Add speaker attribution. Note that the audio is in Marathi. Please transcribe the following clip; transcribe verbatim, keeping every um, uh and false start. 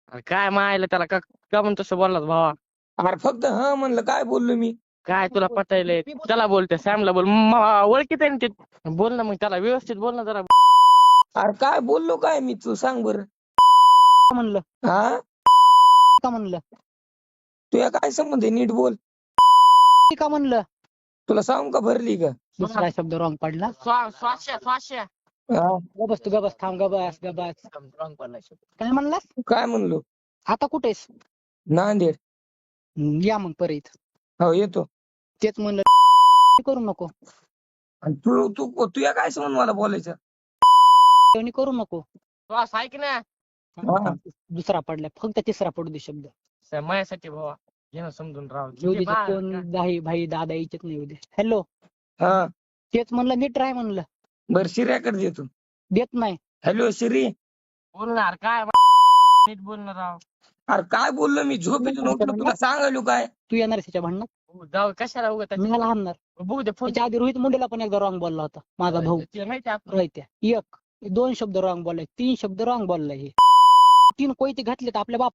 Speaker 1: अरे काय मायला त्याला का का म्हणून तसं बोललास भावा?
Speaker 2: अरे फक्त हा म्हणलं, काय बोललो मी?
Speaker 1: काय तुला पटायलंय? त्याला बोलते सॅमला बोल, म- ओळखीत आहे ना ते. बोल ना मग त्याला व्यवस्थित बोल ना जरा.
Speaker 2: अरे काय बोललो काय मी, तू सांग बरं.
Speaker 3: का म्हणलं
Speaker 2: हा
Speaker 3: का म्हणलं
Speaker 2: तुया काय संबंध आहे, नीट बोल.
Speaker 3: का म्हणलं
Speaker 2: तुला सांगू का भरली का?
Speaker 3: दुसरा शब्द रॉंग पडला.
Speaker 1: स्वा- स्वाश्या स्वाश्या
Speaker 2: हा
Speaker 3: गबस तू गबस थांब गबस गबस
Speaker 1: रॉंग पडला शब्द.
Speaker 3: काय म्हणलास?
Speaker 2: काय म्हणलो?
Speaker 3: आता कुठेस?
Speaker 2: नांदेड.
Speaker 3: हम्म, या मग परत.
Speaker 2: हो येतो.
Speaker 3: तेच म्हणलं करू नको.
Speaker 2: आणि तू तू तुया काय संबंध मला बोलायचं?
Speaker 3: कोणी करू नको.
Speaker 1: श्वास ऐक ना.
Speaker 2: हा.
Speaker 3: दुसरा पडला, फक्त तिसरा पडू दे शब्द.
Speaker 1: स- माझ्यासाठी भावा घे ना समजून राव.
Speaker 3: येऊ दे
Speaker 1: किती बा-
Speaker 3: कोण भाई भाई दादा यायचेच नाही. येऊ दे. हॅलो,
Speaker 2: हा
Speaker 3: तेच म्हणलं नीट राह म्हणलं.
Speaker 2: बर शिर्याकडे देतो.
Speaker 3: देत नाही.
Speaker 2: हॅलो शिरी.
Speaker 1: बोलणार काय नीट बोलणार राव.
Speaker 2: अरे काय बोललो मी, झोपेतून उठलो तुला सांगायलो काय?
Speaker 3: तू येणार त्याच्या भांडणात?
Speaker 1: हो, जाऊ कशाला उगत
Speaker 3: मी मला हाणणार.
Speaker 1: बघू दे फोन.
Speaker 3: त्याच्या आधी रोहित मुंडेला पण एकदा रॉंग बोलला होता माझा भाऊ.
Speaker 1: ते माहिती आहे
Speaker 3: रोहित्या एक दोन शब्द रॉंग बोललाय, तीन शब्द रॉंग बोललाय. हे तीन कोयते घातले तर आपल्या बाप